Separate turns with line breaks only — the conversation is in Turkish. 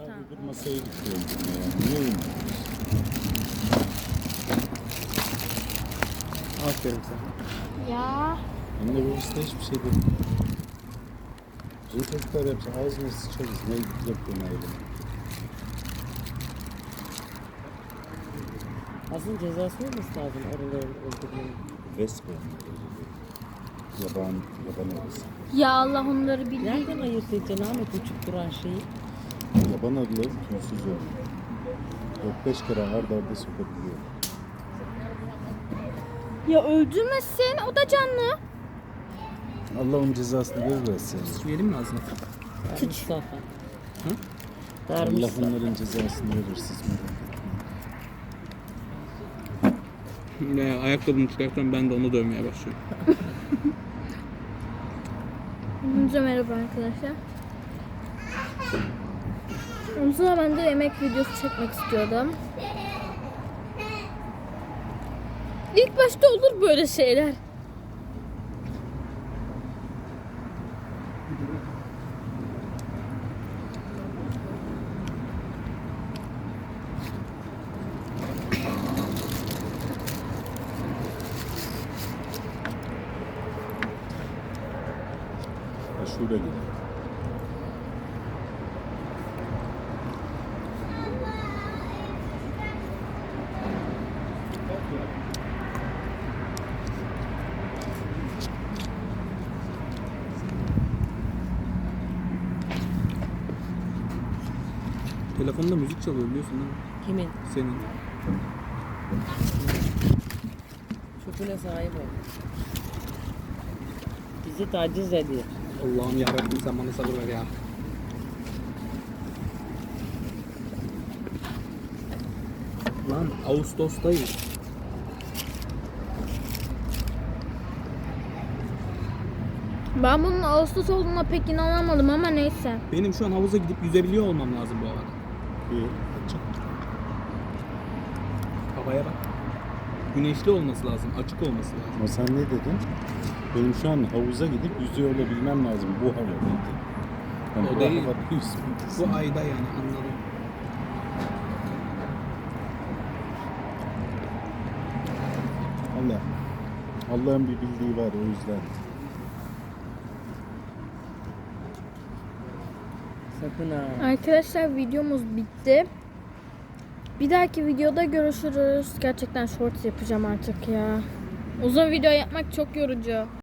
Öbür masaya gidiyorum ya. Niye oynuyorsun?
Aferin sana.
Ya.
Anne babası da hiçbir şey demiyor. Bizim çocuklar yapsa ağzına sıçarız. Ne yapıyorsun ayrıca?
Aslında cezası olması lazım arıların öldürmenin.
Vespa. Yaban arısı.
Ya Allah onları bildiği.
Nereden ayırt edeceksin Ahmet uçup duran şeyi?
Yaban arıları tüysüz oluyor. 4-5 kere arda arda sokabiliyor.
Ya öldürmesin, o da canlı.
Allah onun cezasını verir versin.
Verim mi ağzına? Mustafa. Hı? Dar
Allah
Mustafa.
onların cezasını verir siz merak etmeyin.
Ayakkabımı çıkartıyorum, ben de onu dövmeye başlıyorum.
Hepinize merhaba arkadaşlar. O zaman ben de yemek videosu çekmek istiyordum. İlk başta olur böyle şeyler.
Aşure gibi.
Telefonda müzik çalıyor biliyorsun değil mi?
Kimin?
Senin.
Çöpüne sahip ol. Bizi taciz ediyor.
Allah'ım yarabbim sen bana sabır ver ya. Lan Ağustos'tayız.
Ben bunun Ağustos olduğuna pek inanamadım ama neyse.
Benim şu an havuza gidip yüzebiliyor olmam lazım bu havada.
Bir açık.
Havaya bak. Güneşli olması lazım, açık olması lazım.
Ama sen ne dedin? Benim şu an havuza gidip yüzüyor olabilmem lazım bu havada. Yani
O
bu
değil.
havada yüzmek.
Bu ayda yani anladım.
Allah. Allah'ın bir bildiği var o yüzden.
Sakın ha.
Arkadaşlar videomuz bitti. Bir dahaki videoda görüşürüz. Gerçekten shorts yapacağım artık ya. Uzun video yapmak çok yorucu.